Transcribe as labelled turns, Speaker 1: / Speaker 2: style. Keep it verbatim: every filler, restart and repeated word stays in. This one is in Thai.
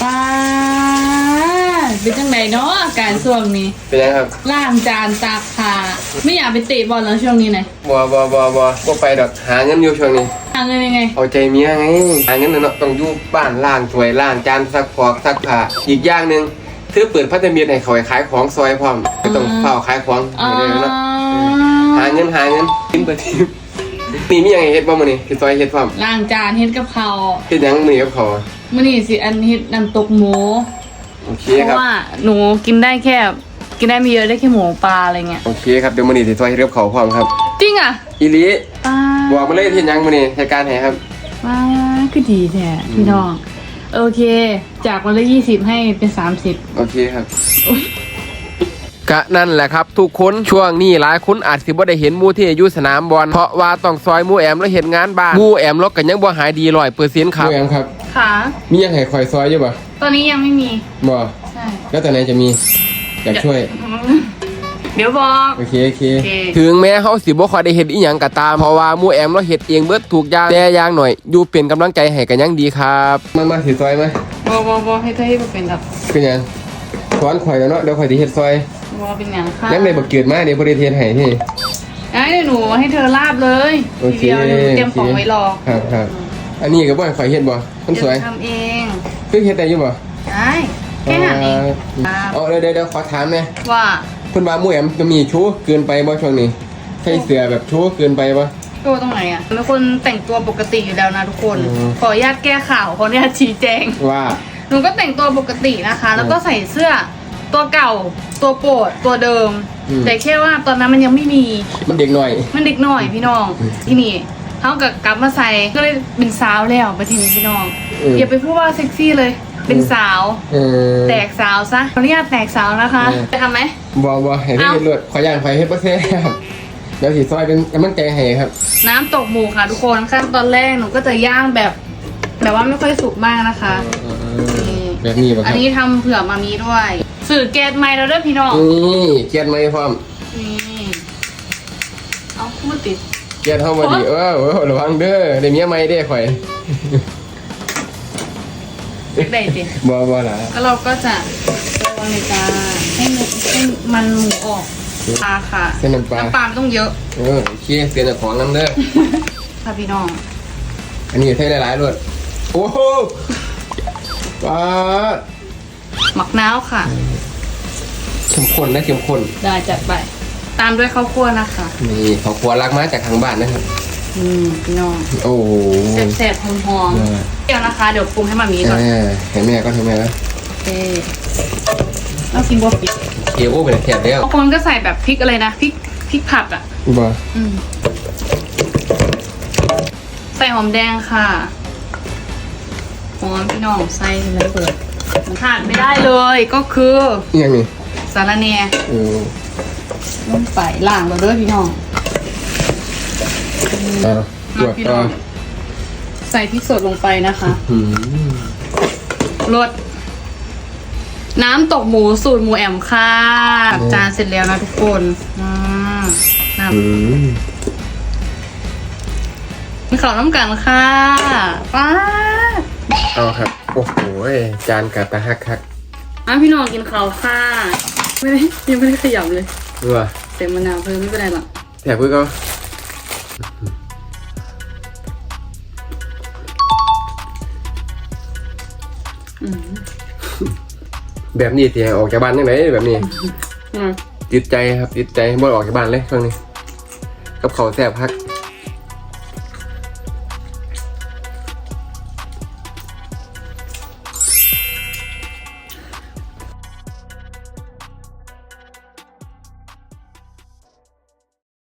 Speaker 1: ป้าเป็นจังไหนเนาะอาการช่วงนี้
Speaker 2: เป็นยังครับ
Speaker 1: ล้างจานตากผ้าไม่อยากไปเตะบอลแล้วช่วงนี้ไหน
Speaker 2: บัวบัวบัวบัวก็ไปดอกหาเงินอยู่ช่วงนี้
Speaker 1: หาเงินยังไง
Speaker 2: เอาใจเมียไงหาเงินเนาะต้องอยู่บ้านล้างถ้วยล้างจานซักฟอกซักผ้าอีกอย่างหนึ่งซื้อเปิดพัฒนาให้เขาขายของซอยพร้อมไม่ต้องเฝ้าขายของเลยเนาะหาเงินหาเงินทิ้งไปทิ้งมีมียังไงเฮ็ดบ้างมื้อนี้คือซอยเฮ็ดพร้อม
Speaker 1: ล้างจานเฮ็ดกับเขา
Speaker 2: เฮ็ดยังมื้อนี้กับเขา
Speaker 1: มื้อนี้สิอันเฮ็ดน้ำตกหมู
Speaker 2: โอเค
Speaker 1: ครับเพราะว่าหนูกินได้แค่กินได้ไม่เยอะได้แค่หมูปลาอะไรเงี้ย
Speaker 2: โอเคครับเดี๋ยวมื้อนี้สิซอยเฮ็ดกับเขาพร้อมครับ
Speaker 1: จริงอ่ะ
Speaker 2: อีหลีบอกมาเลยเฮ็ดยังมื้อนี้เหตุการณ์ไหนครับ
Speaker 1: ว้าคือดีแท้พี่น้องโอเคจากวันละยี่สิบให้เป็นสามสิบ
Speaker 2: โอเคครับกะนั่นแหละครับทุกคนช่วงนี้หลายคนอาจสิบ่ได้เห็นหมู่ที่อยู่สนามบอลเพราะว่าต้องซอยหมู่แอมแล้วเฮ็ดงานบ้านหมู่แอมลกกันยังบ่หายดี ร้อยเปอร์เซ็นต์ ครับหมู่แอมครับ
Speaker 1: ค่ะ
Speaker 2: มียังให้คอยซอยอยู่บ่
Speaker 1: ตอนนี้ยังไม่มี
Speaker 2: บ่
Speaker 1: ใช่
Speaker 2: แล้วแต่ไหนจะมีอยากช่วย
Speaker 1: เดี๋ยวบอก
Speaker 2: โอเคโอเคถึงแม้เฮาสิบ่ค่อยได้เฮ็ดอีหยังก็ตามเพราะว่าหมู่แอมเราเฮ็ดเองเบิดทุกอย่างแต่อย่างหน่อยอยู่เป็นกำลังใจให้กันยังดีครับมามาสิซอยมั้ย
Speaker 1: บ่บ่บ่ให้เธอให้บ่เป็นครับ
Speaker 2: เป็นหยังสอนข่อยแล้วเนาะเดี๋ยวข่อยสิเฮ็ดซอย
Speaker 1: บ่เป็นหยังค่ะ
Speaker 2: ยังได้บ่เกิดมาเดี๋ยวบ่ได้เฮ็ดให้นี่
Speaker 1: ไอ้หนูให้เธอลาบเลยทีเดียวหนูเตรียมของไว้รอ
Speaker 2: ครับครับอันนี้ก็บ่ให้ข่อยเฮ็ดบ่คนสวย
Speaker 1: ทำเอง
Speaker 2: คือเฮ็ดได้อยู่บ่
Speaker 1: ได้แค่นั้นเอง
Speaker 2: เอาเดี๋ยวๆขอถามแม่
Speaker 1: ว่า
Speaker 2: เพิ่นว่าหมู่แอมจะมีชู้เกินไปบ่ช่วงนี้ใส่เสื้อแบบชู้เกินไปบ่
Speaker 1: ตัวตรงไหนอ่ะเป็นคนแต่งตัวปกติอยู่แล้วนะทุกคนขออนุญาตแก้ข่าวขออนุญาตชี้แจง
Speaker 2: ว่า
Speaker 1: หนูก็แต่งตัวปกตินะคะแล้วก็ใส่เสื้อตัวเก่าตัวโปรดตัวเดิมแต่แค่ว่าตอนนั้นมันยังไม่มี
Speaker 2: มันเด็กหน่อย
Speaker 1: มันเด็กหน่อยพี่น้องที่นี่เขากับกลับมาใส่ก็เลยเป็นสาวแล้วไปทีนี้พี่น้องอย่าไปพูดว่าเซ็กซี่เลยเป็นสาวแตกสาวซะขออนุญาตแตกสาวนะคะจะทำไหม
Speaker 2: บ่บ่ให้ได้เลือดขออย่างไฟให้ประเทศครับเดี๋ยวสีซอยเป็นกำลังใจให้ครับ
Speaker 1: น้ำตกหมูค่ะทุกคนขั้นตอนแรกหนูก็จะย่างแบบแบบว่าไม่ค่อยสุกมากนะคะ
Speaker 2: แบบนี้ป่ะครับ
Speaker 1: อันนี้ทำเผื่อมามีด้วยสื่อแก๊สไม้เราด้วยพี่น้อง
Speaker 2: นี่แก๊สไม้พร้อม
Speaker 1: นี่เอาพูดติด
Speaker 2: แก๊สเข้ามาดิเออระวังเด้อเดี๋ยวเมียไม้ได้ข่อย
Speaker 1: ได้ดิ
Speaker 2: บ่บ่ล่ะ
Speaker 1: แล้วเราก็จะระวังในจานให้ให้มันหมูออกปลาค่ะ
Speaker 2: เส้นน้ำปลา
Speaker 1: น้ำปลาต้องเยอะ
Speaker 2: เออเคี่ยวเส้นของน้ำเด้อ
Speaker 1: ค่ะพี่น้อง
Speaker 2: อันนี้ใช้หลายๆรสโอ้โหปลา
Speaker 1: หมักน้าวค่ะ
Speaker 2: เข้มข้นนะเข้มข้น
Speaker 1: ได้จัดไปตามด้วยข้าวคั่วนะคะ
Speaker 2: นี่ข้าวคั่วรักมาจากทางบ้านนะครับ
Speaker 1: อืมพี่น้อง
Speaker 2: โอ้
Speaker 1: แซ่บๆหอมๆเดี๋ยวนะคะเดี๋ยวปรุงให้มามีก่อน
Speaker 2: ให้แม่ก็ให้แม่แล้ว
Speaker 1: โอเคแล้วกินบัวปิด
Speaker 2: เกี๊ยวเป็นแซ่บแล้ว
Speaker 1: บางคนก็ใส่แบบพริกอะไรนะพริกพริกผัดอ่ะ
Speaker 2: บ้า
Speaker 1: อืมใส่หอมแดงค่ะหอมพี่น้องใส่เลยเปิดขาดไม่ได้เลยก็คือ
Speaker 2: ยังไง
Speaker 1: สาระแหน่
Speaker 2: เออ
Speaker 1: ลงไปล่างเราด้วยพี่น้อง
Speaker 2: อ่าพี่น้อง
Speaker 1: ใส่พริกสดลงไปนะคะรสน้ำตกหมูสูตรหมูแอมค่ะจานเสร็จแล้วนะทุกคนอ่าน้ำมีข้าวน้ำกันค่ะป้า
Speaker 2: เอาครับโอ้โหจานกะตะฮักฮัก
Speaker 1: อ่ะพี่น้องกินข้าวค่ะไม่ได้ยังไม่ได้ขยับเลย
Speaker 2: ว่า
Speaker 1: เต็มมะนาวเพิ่มไม่เป็นไรหรอก
Speaker 2: แต่เพื่อนก็แบบนี้ที่ออกจากบ้านยังไงแบบนี้ติดใจครับติดใจบ่ออกจากบ้านเลยช่วงนี้กับเขาแซ่บพัก